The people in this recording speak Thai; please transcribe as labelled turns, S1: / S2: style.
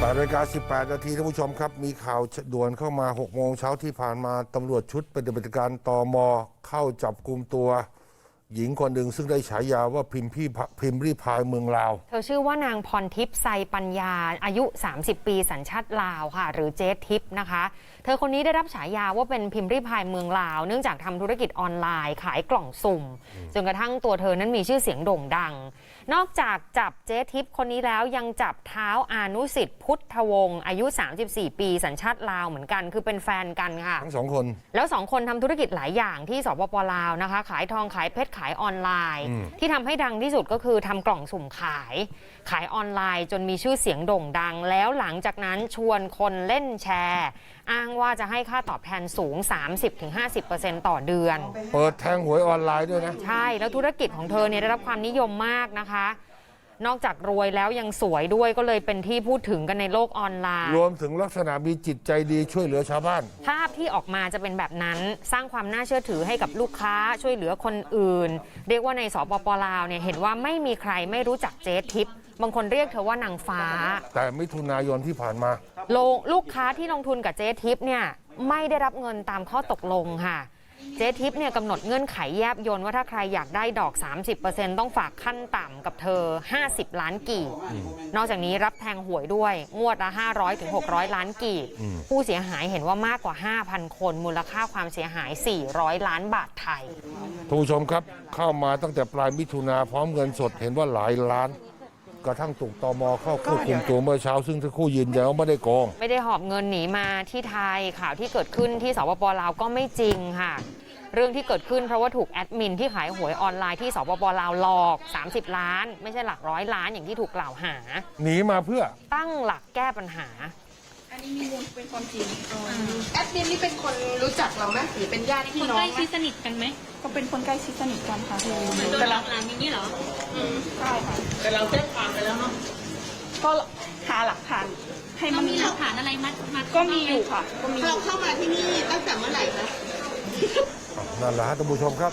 S1: 8:18 นาทีท่านผู้ชมครับมีข่าวด่วนเข้ามา6 โมงเช้าที่ผ่านมาตำรวจชุดปฏิบัติการตม.เข้าจับกุมตัวหญิงคนหนึ่งซึ่งได้ฉายาว่าพิมพ์รีพายเมืองลาว
S2: เธอชื่อว่านางพรทิพย์ไซปัญญาอายุ30 ปีสัญชาติลาวค่ะหรือเจ๊ทิพย์นะคะเธอคนนี้ได้รับฉายาว่าเป็นพิมพ์รีพายเมืองลาวเนื่องจากทำธุรกิจออนไลน์ขายกล่องสุ่มจนกระทั่งตัวเธอนั้นมีชื่อเสียงโด่งดังนอกจากจับเจ๊ทิพย์คนนี้แล้วยังจับเท้าอานุสิทธิ์พุทธวงศ์อายุ34 ปีสัญชาติลาวเหมือนกันคือเป็นแฟนกันค่ะ
S1: ทั้ง2 คน
S2: แล้ว2 คนทำธุรกิจหลายอย่างที่สปป.ลาวนะคะขายทองขายเพชรขายออนไลน์ที่ทำให้ดังที่สุดก็คือทำกล่องสุ่มขายออนไลน์จนมีชื่อเสียงโด่งดังแล้วหลังจากนั้นชวนคนเล่นแชร์อ้างว่าจะให้ค่าตอบแทนสูง 30-50% ต่อเดือน
S1: เปิดแทงหวยออนไลน์ด้วยนะ
S2: ใช่แล้วธุรกิจของเธอเนี่ยได้รับความนิยมมากนะคะนอกจากรวยแล้วยังสวยด้วยก็เลยเป็นที่พูดถึงกันในโลกออนไลน์
S1: รวมถึงลักษณะมีจิตใจดีช่วยเหลือชาวบ้าน
S2: ภาพที่ออกมาจะเป็นแบบนั้นสร้างความน่าเชื่อถือให้กับลูกค้าช่วยเหลือคนอื่นเรียกว่าในสปป.ลาวเนี่ยเห็นว่าไม่มีใครไม่รู้จักเจ๊ทิพย์บางคนเรียกเธอว่านางฟ้า
S1: แต่มิถุนายนที่ผ่านมา
S2: ลูกค้าที่ลงทุนกับเจ๊ทิพย์เนี่ยไม่ได้รับเงินตามข้อตกลงค่ะเจ๊ทิพย์เนี่ยกำหนดเงื่อนไขแยบยลว่าถ้าใครอยากได้ดอก 30% ต้องฝากขั้นต่ำกับเธอ50 ล้านกีบนอกจากนี้รับแทงหวยด้วยงวดละ500-600 ล้านกีบผู้เสียหายเห็นว่ามากกว่า 5,000 คนมูลค่าความเสียหาย400 ล้านบาทไทย
S1: ท่านผู้ชมครับเข้ามาตั้งแต่ปลายมิถุนาพร้อมเงินสดเห็นว่าหลายล้านกระทั่งถูกตม.เข้าควบคุมตัวเมื่อเช้าซึ่งทั้งคู่ยืนยันว่าไม่ได้โกง
S2: ไม่ได้หอบเงินหนีมาที่ไทยข่าวที่เกิดขึ้นที่สปป.ลาวก็ไม่จริงค่ะเรื่องที่เกิดขึ้นเพราะว่าถูกแอดมินที่ขายหวยออนไลน์ที่สปป.ลาวหลอก30 ล้านไม่ใช่หลัก100 ล้านอย่างที่ถูกกล่าวหา
S1: หนีมาเพื่อ
S2: ตั้งหลักแก้ปัญหา
S3: อันนี้มีมูลเป็นความจริงแอดมินนี่เป็นคนรู้จักเราไหมหรือเป็นญาติพี่น้อง
S4: ใกล้ชิดสนิทกันไหม
S3: ก็เป็นคนใกล้ชิดสนิทกันค่ะ
S4: แต่เราร้านนี้เหรอ
S3: ใช่ค่ะ
S4: แต่เราแจ้งความไปแล้วเนาะ
S3: ก็หาหลักฐานให้มัน
S4: มีหลักฐานอะไรมา
S3: ก็มีอยู่ค่ะก็มี
S5: เราเข้ามาที่นี่ตั้งแต่เมื่อไหร่คะ
S1: นั่นแหละท่านผู้ชมครับ